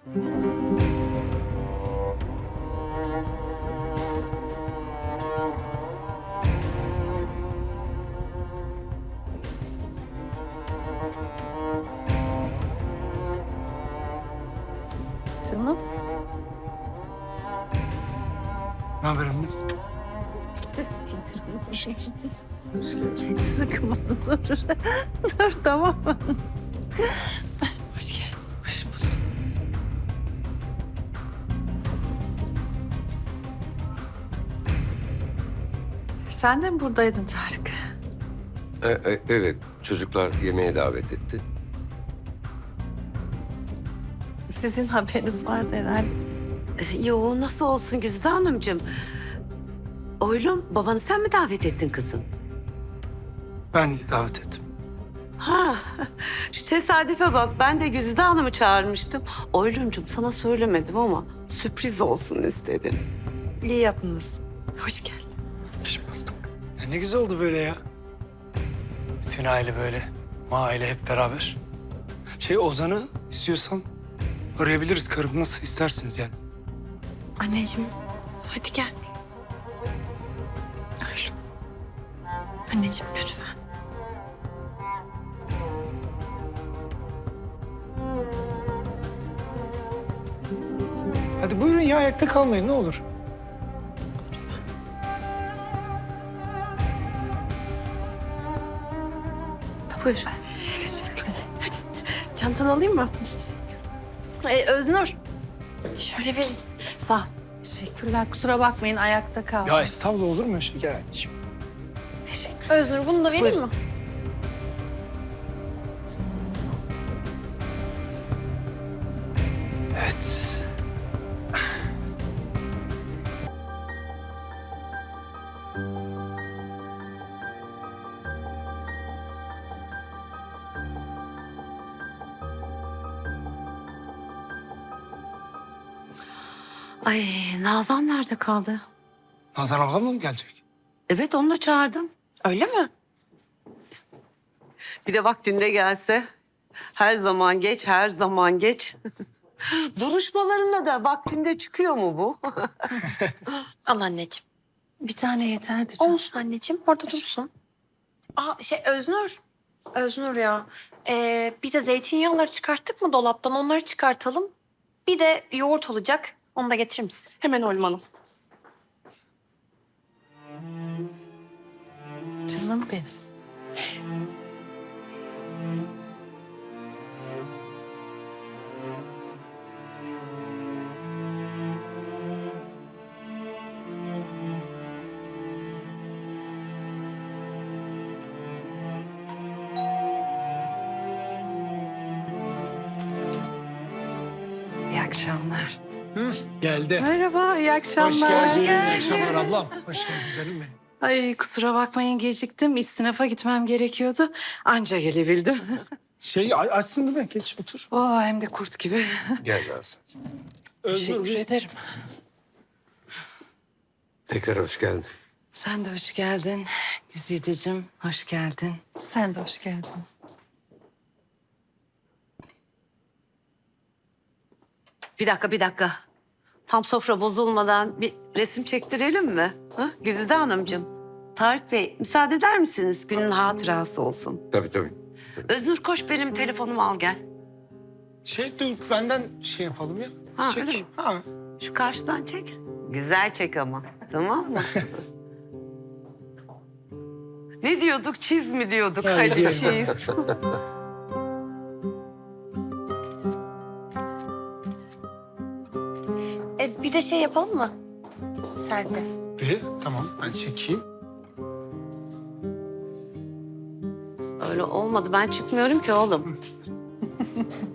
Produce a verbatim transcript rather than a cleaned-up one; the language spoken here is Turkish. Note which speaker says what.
Speaker 1: Canım.
Speaker 2: Ne haber anne?
Speaker 1: Sıkma dur. Dur tamam mı? Hoş geldin. Hoş bulduk. Sen de mi buradaydın Tarık?
Speaker 3: E, e, evet, çocuklar yemeğe davet etti.
Speaker 1: Sizin haberiniz vardı herhalde.
Speaker 4: Yo, nasıl olsun Güzide Hanımcığım? Oğlum, babanı sen mi davet ettin kızım?
Speaker 2: Ben davet ettim.
Speaker 4: Ha, şu tesadüfe bak. Ben de Güzide Hanım'ı çağırmıştım. Oğlumcum sana söylemedim ama sürpriz olsun istedim.
Speaker 1: İyi yaptınız. Hoş geldin.
Speaker 2: Hoş bulduk. Ya ne güzel oldu böyle ya. Bütün aile böyle. Aile hep beraber. Şey Ozan'ı istiyorsan arayabiliriz karım. Nasıl istersiniz yani.
Speaker 1: Anneciğim hadi gel. Oğlum. Anneciğim lütfen.
Speaker 2: Hadi buyurun ya, ayakta kalmayın ne olur.
Speaker 1: Buyur. Teşekkürler. Hadi çantanı alayım mı? Ee, Öznur. Şöyle vereyim. Sağ ol. Teşekkürler. Kusura bakmayın ayakta kaldım.
Speaker 2: Ya estağfurullah, olur mu? Şey, gel anneciğim.
Speaker 1: Teşekkür. Öznur bunu da vereyim mi?
Speaker 2: Evet.
Speaker 4: Ay, Nazan nerede kaldı?
Speaker 2: Nazan ablam mı gelecek?
Speaker 4: Evet, onu da çağırdım.
Speaker 1: Öyle mi?
Speaker 4: Bir de vaktinde gelse. Her zaman geç, her zaman geç. Duruşmalarına da vaktinde çıkıyor mu bu?
Speaker 1: Al anneciğim. Bir tane yeterdi canım. Olsun anneciğim. Orada dursun. Aa şey Öznur. Öznur ya. Ee, bir de zeytinyağları çıkarttık mı dolaptan? Onları çıkartalım. Bir de yoğurt olacak. Onu da getirir misin? Hemen Oğlum Hanım. Canım benim.
Speaker 4: İyi akşamlar.
Speaker 2: Hı, geldi.
Speaker 5: Merhaba, iyi akşamlar.
Speaker 2: Hoş geldin. İyi akşamlar ablam. Hoş geldin canım benim.
Speaker 5: Ay kusura bakmayın geciktim. İstinafa gitmem gerekiyordu. Anca gelebildim.
Speaker 2: Şey a- açsın değil mi? Geç otur.
Speaker 5: Oo, hem de kurt gibi.
Speaker 3: Gel Nazan.
Speaker 5: Teşekkür
Speaker 2: Özgür,
Speaker 5: ederim.
Speaker 3: Tekrar hoş geldin.
Speaker 5: Sen de hoş geldin. Güzideciğim, hoş geldin. Sen de hoş geldin.
Speaker 4: Bir dakika, bir dakika. Tam sofra bozulmadan bir resim çektirelim mi? Ha? Güzide Hanımcığım, Tarık Bey müsaade eder misiniz? Günün hatırası olsun.
Speaker 3: Tabii tabii.
Speaker 4: Öznur koş benim telefonumu al gel.
Speaker 2: Şey dur, benden şey yapalım ya.
Speaker 4: Ha,
Speaker 2: Çek.
Speaker 4: öyle mi?
Speaker 2: Ha.
Speaker 4: Şu karşıdan çek. Güzel çek ama. Tamam mı? Ne diyorduk? Çiz mi diyorduk?
Speaker 2: Hadi
Speaker 4: Hadi
Speaker 2: diyelim.
Speaker 4: çiz.
Speaker 1: E, bir de şey yapalım mı? Selfie.
Speaker 2: Bir, tamam ben çekeyim.
Speaker 4: Öyle olmadı. Ben çıkmıyorum ki oğlum.